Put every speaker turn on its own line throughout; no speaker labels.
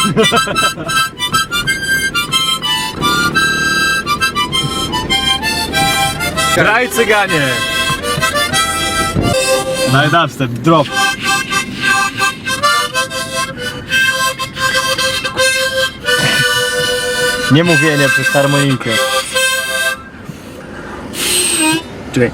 Graj cyganie! Daj dubstep, drop. Nie mówienie przez harmonikę. Czekaj.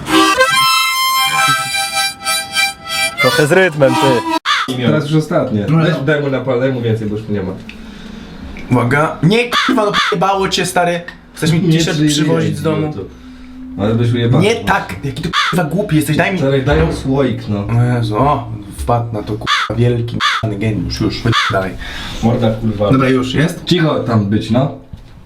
Trochę z rytmem, ty.
Teraz już ostatnie. Daj mu napal, daj mu więcej, bo już tu nie ma.
Uwaga. Nie k***wa, no p***bało cię, stary. Chcesz mi t-shirt przywozić z domu?
Ale byś ujebał.
Nie tak, jaki ty k***wa głupi jesteś, daj mi...
Daj mu słoik, no.
O Jezu, o, wpadł na to k***wa wielki k***ny geniusz, już, dalej.
Morda kurwa.
Dobra, już, jest?
Cicho tam być, no.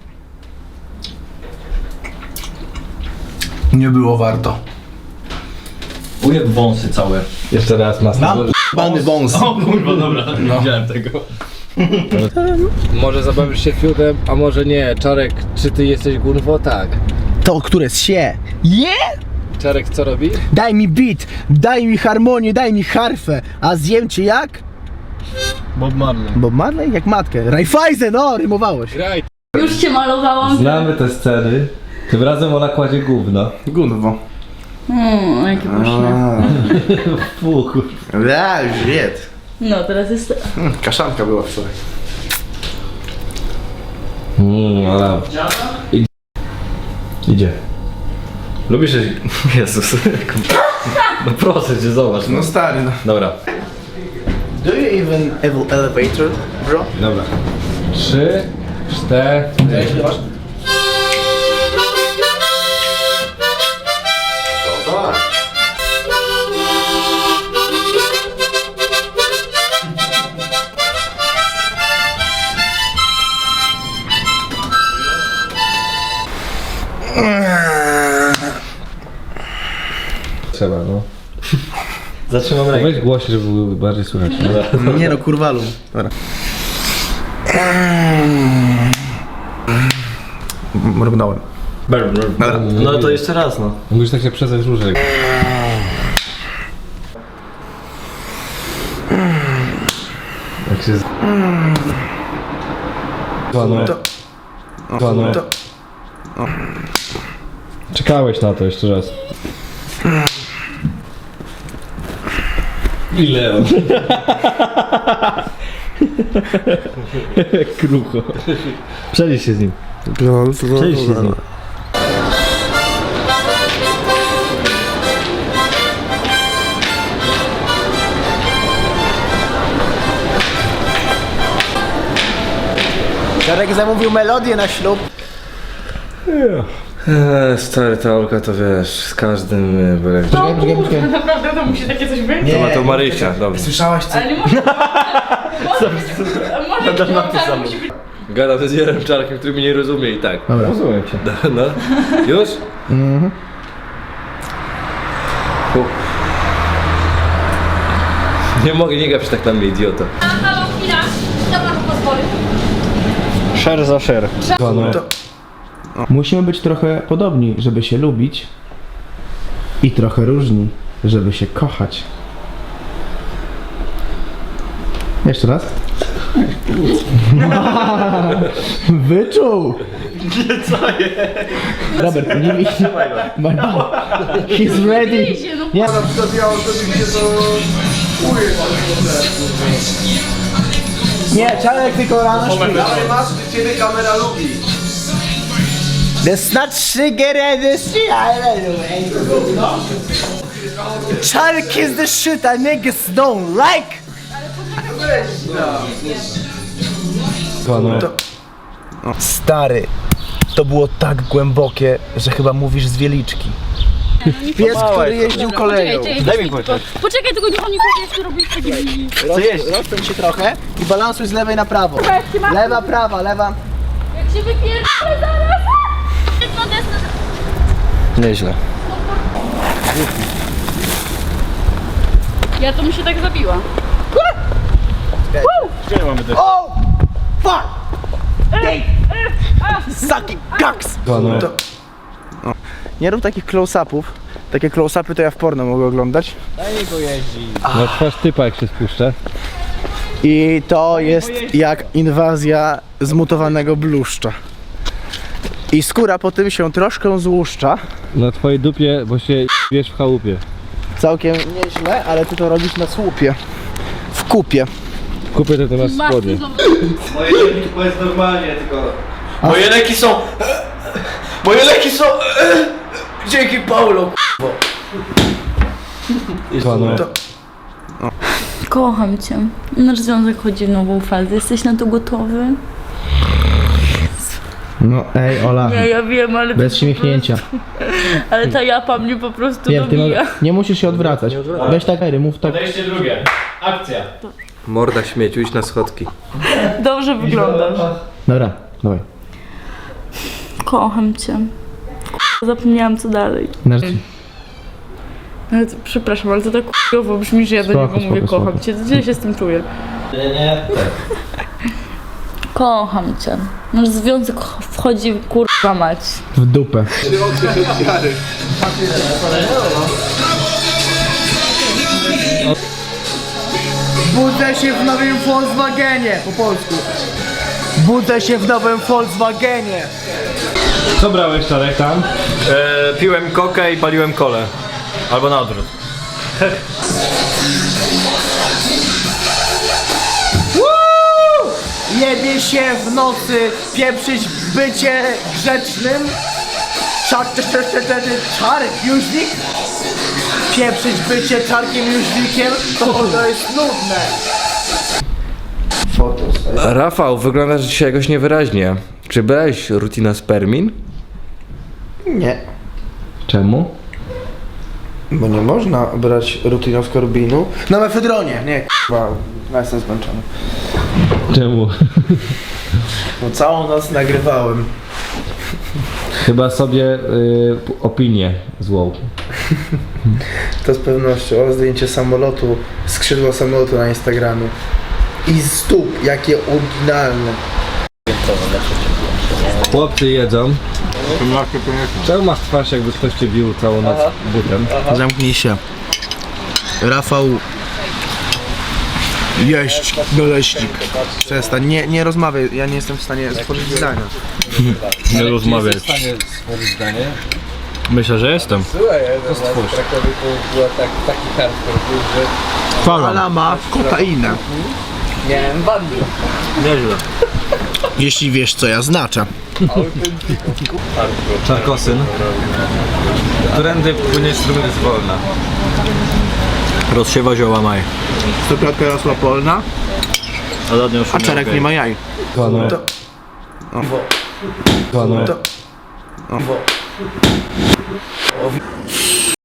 Nie było warto.
Ujeb wąsy całe.
Jeszcze raz masę.
Mam k***bany wąs.
O kurwa, dobra, nie widziałem tego.
Może zabawisz się fiutem, a może nie. Czarek, czy ty jesteś gunwo? Tak.
To, które się je?
Czarek, co robi?
Daj mi beat, daj mi harmonię, daj mi harfę. A zjem cię jak?
Bob Marley.
Bob Marley? Jak matkę. Raiffeisen, no, rymowałeś.
Graj.
Już cię malowałam.
Znamy te sceny. Tym razem ona kładzie gówno.
Gunwo.
Jakie pyszne.
Fuch.
Ja, już jedz.
No, teraz jest...
Kaszanka była wczoraj.
Ale... Idzie. Lubisz jeść... Jezus. No proszę cię, zobacz.
No stary, no.
Dobra.
Do you even elevator, bro?
Dobra. 3, 4... Trzeba, no.
Zatrzymam rękę.
Weź głośniej, żeby było bardziej słychać.
Nie no, kurwalu. Dobra.
Mrugnąłem.
No to jeszcze raz, no.
Musisz tak się przezać różek. Jak się... Panu. Panu. Czekałeś na to jeszcze raz. Ile on? Krucho. Przejdź się z nim. Przejdź się z nim.
Jarek zamówił melodię na ślub.
Stary, ta Olka to wiesz, z każdym byle.
Naprawdę to musi takie coś być?
To ma to Marysia, dobrze.
Słyszałaś co?
Ale nie może... Może musi być...
Gadam z Jarem Czarkiem, który mnie nie rozumie i tak.
Dobra.
Rozumiem cię. No. Już? Mhm. Nie mogę, nie gapić tak na mnie, idioto.
Halo, chwila. Kto panu pozwolił?
Share za share.
Musimy być trochę podobni, żeby się lubić. I trochę różni, żeby się kochać. Jeszcze raz. Wyczuł! Co jest? Robert, nie mi się. He's ready!
Idzie, no.
Nie. Nie, Czarek tylko rano śpi.
Ciebie kamera lubi.
That's not sugar and the shit, I don't know. Czarek is the shit I niggas don't like. Stary, to było tak głębokie, że chyba mówisz z Wieliczki. Pies, który jeździł koleją.
Daj mi poczekać.
Poczekaj, tylko niech on nie powie, co robisz takie...
Co jeść? Rozpędź się trochę i balansuj z lewej na prawo. Lewa, prawa, lewa.
Jak się wypierdolę zaraz! Jedno desne...
Nieźle.
Ja to mi się tak zabiła.
Gdzie mamy też?
Oh! Fuck! Sucking cocks! Nie rób takich close-upów. Takie close-upy to ja w porno mogę oglądać.
No twarz typa jak się spuszcza.
I to jest jak inwazja zmutowanego bluszcza. I skóra po tym się troszkę złuszcza.
Na twojej dupie, bo się wiesz w chałupie.
Całkiem nieźle, ale ty to robisz na słupie. W kupie.
Kupię to ty masz spodnie.
Moje leki to jest normalnie, tylko... Moje leki są... Moje leki są... Dzięki Paulo,
Kocham cię. Nasz związek chodzi w nową fazę. Jesteś na to gotowy?
No ej Ola,
Nie, ja wiem, ale...
bez śmiechnięcia.
Ale ta japa mnie po prostu dobija.
Nie musisz się odwracać. Weź tak, mów tak.
Podejście drugie. Akcja.
Morda śmieciu, idź na schodki.
Dobrze wyglądasz.
Dobra, dawaj.
Kocham cię. Zapomniałam co dalej. Ale to, przepraszam, ale to tak k***owo brzmi, że ja do niego mówię kocham cię. Gdzie się z tym czuję?
Nie.
Kocham cię. Nasz związek wchodzi w kurwa mać.
W dupę. Budzę się w nowym Volkswagenie, po polsku. Budzę się w nowym Volkswagenie.
Co brałeś, Czarek, tam?
Piłem kokę i paliłem kolę. Albo na odwrót.
Jebie się w nocy, pieprzyć bycie grzecznym. Czarek, Jóźwik? Pieprzyć bycie czarkiem Jóźwikiem, to jest nudne.
Rafał, wyglądasz dzisiaj jakoś niewyraźnie. Czy brałeś rutina spermin?
Nie,
Czemu?
bo nie można brać rutinoskorbinu. Na mefedronie, nie k***wa, ja jestem zmęczony.
Czemu?
No całą noc nagrywałem.
Chyba sobie opinię złą.
To z pewnością. O, zdjęcie samolotu, skrzydła samolotu na Instagramie. I stóp, jakie oryginalne.
Chłopcy jedzą. Czemu masz twarz, jakby ktoś cię bił całą noc butem?
Zamknij się. Rafał... Jeść, doleśnik. Przestań, nie rozmawiaj, ja nie jestem w stanie stworzyć zdania.
Nie rozmawiaj.
Jesteś w stanie stworzyć zdanie?
Myślę, że jestem.
Taki hardcore był, że...
Fala ma kokainę.
Miałem bandy.
Nieźle.
Jeśli wiesz co ja znaczę.
Czarkosyn. Którędy płynie strumień jest wolna.
Rozsiewa zioła maj.
Stopiatka rosła polna,
A za nią
a czarek nie ma jaj.
Pano.
To...
Pano.
To...